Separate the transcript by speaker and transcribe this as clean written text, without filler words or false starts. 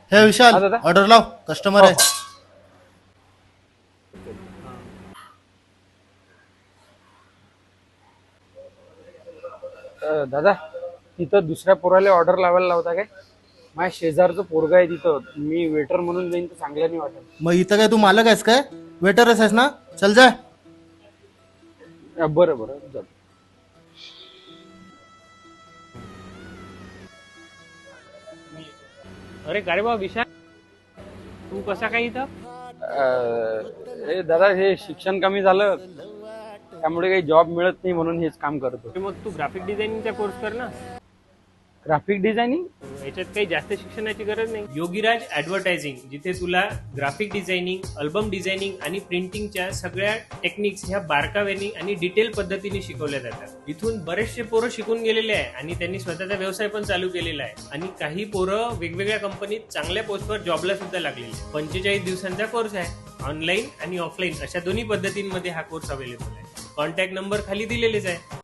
Speaker 1: हे विशाल
Speaker 2: हा दादा.
Speaker 1: ऑर्डर लाव, कस्टमर आहे.
Speaker 2: दादा, तिथं दुसऱ्या पोराला ऑर्डर लावायला लावता काय? माझ्या शेजारचं पोरगा आहे तिथं. मी वेटर म्हणून जाईन तर चांगलं नाही वाटत.
Speaker 1: मग इथं काय तू मालक आहेस काय? वेटरच आहेस ना? चल जा.
Speaker 2: बरं बरं जातो.
Speaker 3: अरे काय रे बा विशाल, तू कसा काय इथं?
Speaker 2: हे दादा, हे शिक्षण कमी झालं त्यामुळे काही जॉब मिळत नाही म्हणून हेच काम करतो.
Speaker 3: अरे मग तू ग्राफिक डिझायनिंगचा कोर्स कर ना.
Speaker 2: Graphic designing.
Speaker 3: याच्यात काही जास्त शिक्षणाची गरज नाही. योगीराज ऍडव्हर्टायझिंग, जिथे तुला ग्राफिक डिझायनिंग, अल्बम डिझायनिंग आणि प्रिंटिंगच्या सगळ्या टेक्निक्स ह्या बारकाव्यानी आणि डिटेल पद्धतीने शिकवल्या जातात. इथून बरेचसे पोरं शिकून गेलेले आहे आणि त्यांनी स्वतःचा व्यवसाय पण चालू केलेला आहे. आणि काही पोरं वेगवेगळ्या कंपनीत चांगल्या पोस्टवर जॉबला सुद्धा लागलेले. 45 दिवसांचा कोर्स आहे. ऑनलाईन आणि ऑफलाईन अशा दोन्ही पद्धतींमध्ये हा कोर्स अवेलेबल आहे. कॉन्टॅक्ट नंबर खाली दिलेलेच आहे.